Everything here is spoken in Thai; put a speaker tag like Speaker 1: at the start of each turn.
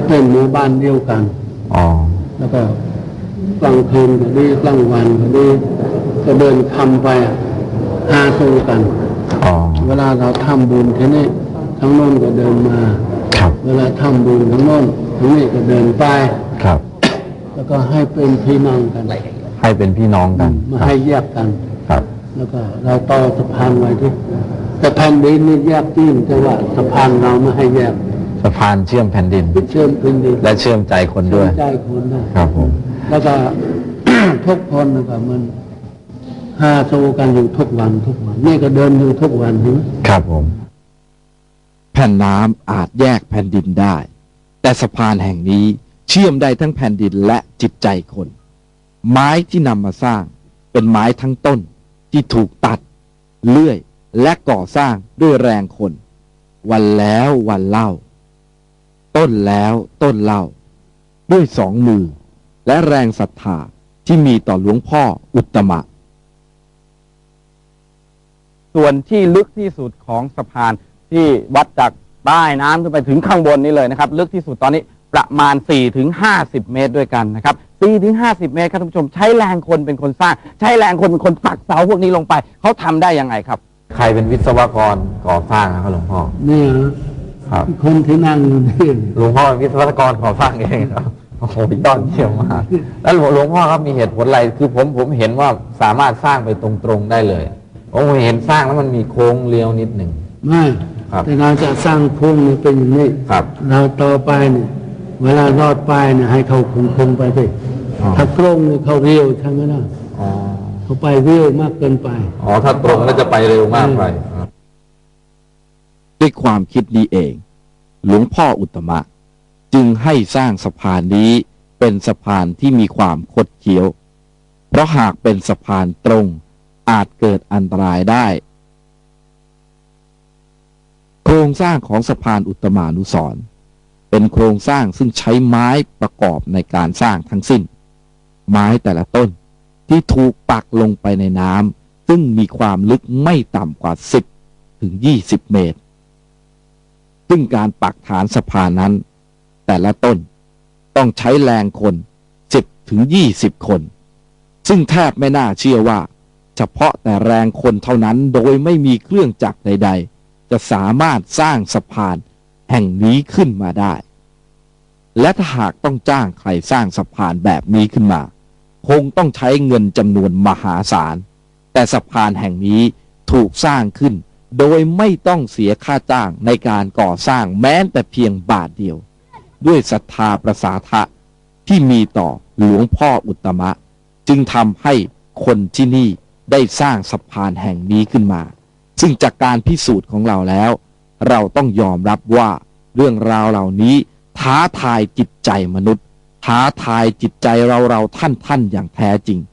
Speaker 1: เป็นหมู่บ้านเดียวกันแล้วก็กลางคืนก็ดีกลางวันก็ดีก็เดินทำไปหาสู่กันเวลาเราทำบุญที่นี่ทั้งโน้นก็เดินมาเวลาทำบุญทั้งโน้นทั้งนี้ก็เดินไปแล้วก็ให้เป็นพี่น้องกัน
Speaker 2: ให้เป็นพี่น้องกัน
Speaker 1: มาให้แยกกันแล้วก็เราต่อสะพานไว้ที่แต่แผ่นดินนี่แยกจริงแต่ว่าสะพานเราไม่ให้แยก
Speaker 2: สะพานเชื่อมแผ่นดินและเชื่อมใจคนด้วย
Speaker 1: ใจคน
Speaker 2: ครับผม
Speaker 1: แล้วก็ ทุกคนนะครับมันหาสู่กันอยู่ทุกวันนี่ก็เดินอยู่ทุกวัน
Speaker 2: ครับผมแผ่นน้ำอาจแยกแผ่นดินได้แต่สะพานแห่งนี้เชื่อมได้ทั้งแผ่นดินและจิตใจคนไม้ที่นำมาสร้างเป็นไม้ทั้งต้นที่ถูกตัดเลื่อยและก่อสร้างด้วยแรงคนวันแล้ววันเล่าต้นแล้วต้นเล่าด้วยสองมือและแรงศรัทธาที่มีต่อหลวงพ่ออุตตมะ
Speaker 3: ส่วนที่ลึกที่สุดของสะพานที่วัดจากใต้น้ำขึ้นไปถึงข้างบนนี้เลยนะครับลึกที่สุดตอนนี้ประมาณ 4-50 เมตรด้วยกันนะครับ 4-50 เมตรครับท่านผู้ชมใช้แรงคนเป็นคนสร้างใช้แรงคนเป็นคนปักเสาพวกนี้ลงไปเขาทำได้ยังไงครับ
Speaker 2: ใครเป็นวิศวกรก่อสร้างครับหลวงพ่อ
Speaker 1: นี่ครับคนที่นั่งอยู่นี่
Speaker 2: หลวงพ่อเป็นวิศวกรก่อสร้างเองครับโอ้โหยอดเยี่ยมมากแล้วหลวงพ่อครับมีเหตุผลอะไรคือผมเห็นว่าสามารถสร้างไปตรงๆได้เลยผมเห็นสร้างแล้วมันมีโค้งเลี้ยวนิดหนึ่ง
Speaker 1: ไม่แต่เราจะสร้างโค้งนี่เป็นอย่างนี้เราต่อไปเนี่ยเวลารอดไปเนี่ยให้เขาคงไปสิถ้าตรงเนี่ยเขาเร็วใช่ไหมล่ะเขาไปเร็วมากเกินไป
Speaker 2: ถ้าตรงแล้วจะไปเร็วมากไปด้วยความคิดนี้เองหลวงพ่ออุตตมะจึงให้สร้างสะพานนี้เป็นสะพานที่มีความคดเคี้ยวเพราะหากเป็นสะพานตรงอาจเกิดอันตรายได้โครงสร้างของสะพานอุตตมานุสรณ์เป็นโครงสร้างซึ่งใช้ไม้ประกอบในการสร้างทั้งสิ้นไม้แต่ละต้นที่ถูกปักลงไปในน้ำซึ่งมีความลึกไม่ต่ำกว่า10-20 เมตรซึ่งการปักฐานสะพานนั้นแต่ละต้นต้องใช้แรงคน10-20 คนซึ่งแทบไม่น่าเชื่อว่าเฉพาะแต่แรงคนเท่านั้นโดยไม่มีเครื่องจักรใดๆจะสามารถสร้างสะพานแห่งนี้ขึ้นมาได้และถ้าหากต้องจ้างใครสร้างสะพานแบบนี้ขึ้นมาคงต้องใช้เงินจำนวนมหาศาลแต่สะพานแห่งนี้ถูกสร้างขึ้นโดยไม่ต้องเสียค่าจ้างในการก่อสร้างแม้แต่เพียงบาทเดียวด้วยศรัทธาประสาทะที่มีต่อหลวงพ่ออุตตมะจึงทำให้คนที่นี่ได้สร้างสะพานแห่งนี้ขึ้นมาซึ่งจากการพิสูจน์ของเราแล้วเราต้องยอมรับว่าเรื่องราวเหล่านี้ท้าทายจิตใจมนุษย์ท้าทายจิตใจเราท่านอย่างแท้จริง